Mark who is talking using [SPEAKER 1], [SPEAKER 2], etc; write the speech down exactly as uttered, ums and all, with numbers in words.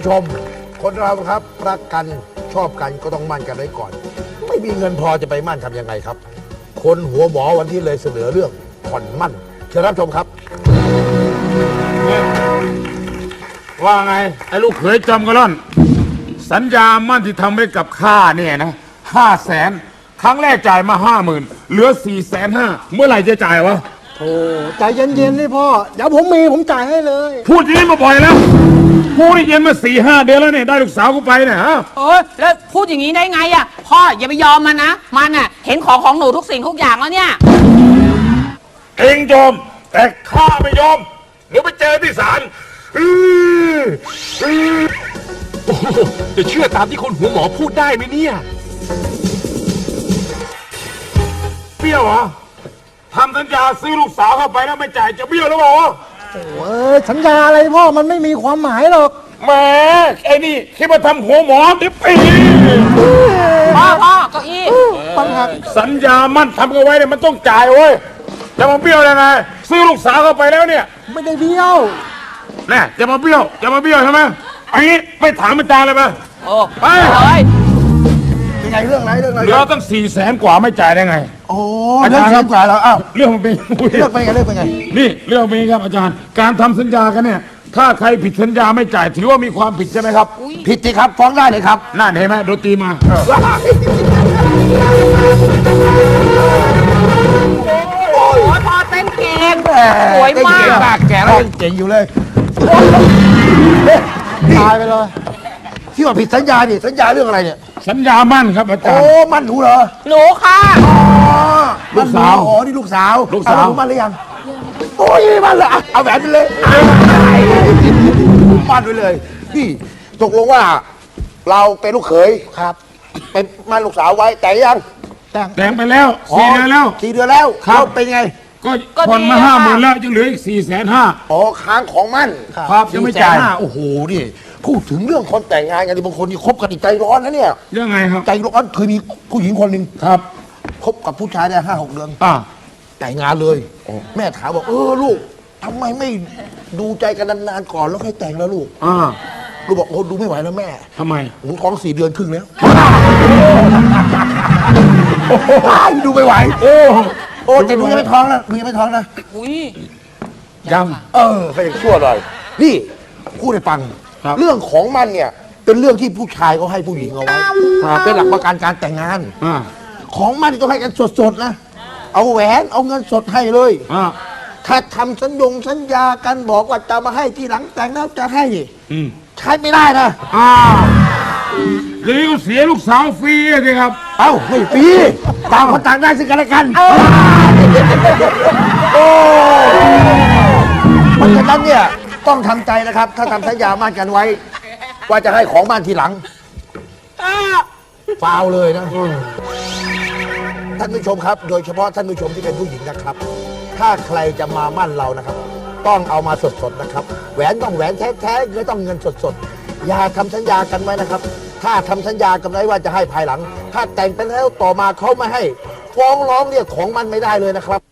[SPEAKER 1] ชมคนเราครับรักกันชอบกันก็ต้องมั่นกันไว้ก่อนไม่มีเงินพอจะไปมั่นทำยังไงครับคนหัวหมอวันที่เลยเสนอเรื่องผ่อนมั่นเชิญรับชมครับ
[SPEAKER 2] ว่าไงไอ้ลูกเขยจอมกระล่อนสัญญามั่นที่ทำไว้กับข้าเนี่ยนะห้าแสนครั้งแรกจ่ายมาห้าหมื่นเหลือสี่แสนห้าเมื่อไหร่จะจ่ายวะ
[SPEAKER 3] โอ้ใจเย็นๆนี่พ่อเดี๋ยวผมมีผมจ่ายให้เลย
[SPEAKER 2] พูดอย่างนี้มาบ่อยแล้วกูนี่เย็นมาสี่ห้าเดือนแล้วเนี่ยได้ลูกสาวกูไปเนี่ยฮะ
[SPEAKER 4] เออแล้วพูดอย่างนี้ได้ไงอ่ะพ่ออย่าไปยอมมันนะมันอ่ะเห็นของของหนูทุกสิ่งทุกอย่างแล้วเนี่ย
[SPEAKER 2] เองยอมแต่ข้าไม่ยอมเดี๋ยวไปเจอที่ศาล
[SPEAKER 5] จะเชื่อตามที่คนหัวหมอพูดได้ไหมเนี่ย
[SPEAKER 2] เบี้ยวเหรอทำสัญญาซื้อลูกสาวเข้าไปแล้วไม่จ่ายจะเบี้ยวหรือเปล่า
[SPEAKER 3] โอ้ยสัญญาอะไรพ่อมันไม่มีความหมายหรอก
[SPEAKER 2] แหมไอ้นี่คิดว่าทำหัวหมอเดี๋ยวปี
[SPEAKER 4] พ่อพ่อเก้าอี้
[SPEAKER 3] ปัญหา
[SPEAKER 2] สัญญามั่นทำกันไว้เนี่ยมันต้องจ่ายเว้ยจะมาเบี้ยวยังไงซื้อลูกสาวเข้าไปแล้วเนี่ย
[SPEAKER 3] ไม่ได้เบี้ยว
[SPEAKER 2] แน่จะมาเบี้ยวจะมาเบี้ยวใช่ไหมไอ้นี้ไม่ถามอาจารย์เลยไหม
[SPEAKER 4] โอ้
[SPEAKER 2] ไป
[SPEAKER 4] เลย
[SPEAKER 1] เป็นไงเรื่องอะไรเรื่องอะไร
[SPEAKER 2] เหลือตั้งสี่แสนกว่าไม่จ่ายได้ไง
[SPEAKER 1] โอ้อาจารย์ครับกว่าแล้วอ้าว
[SPEAKER 2] เรื่องมันเป็น
[SPEAKER 1] เรื่องเป็นไงเรื่องเป็นไง
[SPEAKER 2] นี่เรื่องเป็นครับอาจารย์การทำสัญญากันเนี่ยถ้าใครผิดสัญญาไม่จ่ายถือว่ามีความผิดใช่ไหมครับ
[SPEAKER 1] ผิดสิครับฟ้องได้เลยครับ
[SPEAKER 2] นั่นเห็นไหมดนตรีมา
[SPEAKER 4] โอ้ยพอเต้นเก่งสวยมาก
[SPEAKER 1] แก่แล้วยังเจ๋งอยู่เลย
[SPEAKER 3] ตายไปเลย
[SPEAKER 1] ที่ว่าผิดสัญญาดิสัญญาเรื่องอะไรเนี่ย
[SPEAKER 2] สัญญามั่นครับอาจารย์
[SPEAKER 1] โอ้มั่นหนูเหรอ
[SPEAKER 4] หนูค่ะ
[SPEAKER 2] ลูกสาว
[SPEAKER 1] อ๋อนี่ลูกสาว
[SPEAKER 2] ลูกสาว
[SPEAKER 1] มั่นหรือยังโอ้ยมั่นเลยเอาแหวนไปเลยมั่นไปเลยนี่ตกลงว่าเราเป็นลูกเขย
[SPEAKER 3] ครับ
[SPEAKER 1] เป็นมั่นลูกสาวไว้แต่ยัง
[SPEAKER 3] แต่ง
[SPEAKER 2] แต่งไปแล้วสี่เดือนแล้ว
[SPEAKER 1] สี่เดือนแล้ว
[SPEAKER 2] ครับ
[SPEAKER 1] เป็นไง
[SPEAKER 2] ก็ผ่อนมาห้าหมื่นแล้วยังเหลืออีกสี่แสนห้า
[SPEAKER 1] อ๋อค้างของมั่น
[SPEAKER 2] ครับยังไม่จ่าย
[SPEAKER 1] โอ้โหนี่พูดถึงเรื่องคนแต่งงานกันบางคนนี่คบกันใจร้อนนะเนี่ย
[SPEAKER 2] ยังไงครับ
[SPEAKER 1] ใจร้อนเคยมีผู้หญิงคนหนึ่ง
[SPEAKER 2] ครับ
[SPEAKER 1] คบกับผู้ชายได้ห้าหกเดือน
[SPEAKER 2] อ่า
[SPEAKER 1] แต่งงานเลยแม่ถามบอกเออลูกทำไมไม่ดูใจกันนานๆก่อนแล้วค่อยแต่งแล้วลูก
[SPEAKER 2] อ่า
[SPEAKER 1] ลูกบอกโอ้ดูไม่ไหวแล้วแม่
[SPEAKER 2] ทำไม
[SPEAKER 1] หนูท้องสี่เดือนครึ่งแล้วดูไม่ไหวโอ้โอ้แต่หนูยังไม่ท้องนะหนูยังไม่ท้องนะ
[SPEAKER 4] อุ้ย
[SPEAKER 2] ยัง
[SPEAKER 1] เออก็ยังชั่วหน่อยนี่พูดให้ฟังเรื่องของมันเนี่ยเป็นเรื่องที่ผู้ชายเขาให้ผู้หญิงเอาไว้เป็นหลักประกันการแต่งงานของมันต้องให้กันสดๆนะเอาแหวนเอาเงินสดให้เลยถ้าทำสัญญงสัญญากันบอกว่าจะมาให้ทีหลังแต่งแล้วจะให้ใช้ไม่ได้นะ
[SPEAKER 2] อ้าวเดี๋ยวก็เสียลูกสาวฟรีเลยครับ
[SPEAKER 1] เอ้าไม่ฟรีต่างคนต่างได้ซึ่งกันและกันโอ้เพราะฉะนั้นเนี่ยต้องทำใจนะครับถ้าทำสัญญามั่นกันไว้ว่าจะให้ของบ้านทีหลังฟาวเลยนะท่านผู้ชมครับโดยเฉพาะท่านผู้ชมที่เป็นผู้หญิงนะครับถ้าใครจะมามั่นเรานะครับต้องเอามาสดๆนะครับแหวนต้องแหวนแท้ๆเงินต้องเงินสดๆอย่าทำสัญญากันไว้นะครับถ้าทำสัญญากันไว้ว่าจะให้ภายหลังถ้าแต่งไปแล้วต่อมาเขาไม่ให้ฟ้องร้องเรียกของมันไม่ได้เลยนะครับ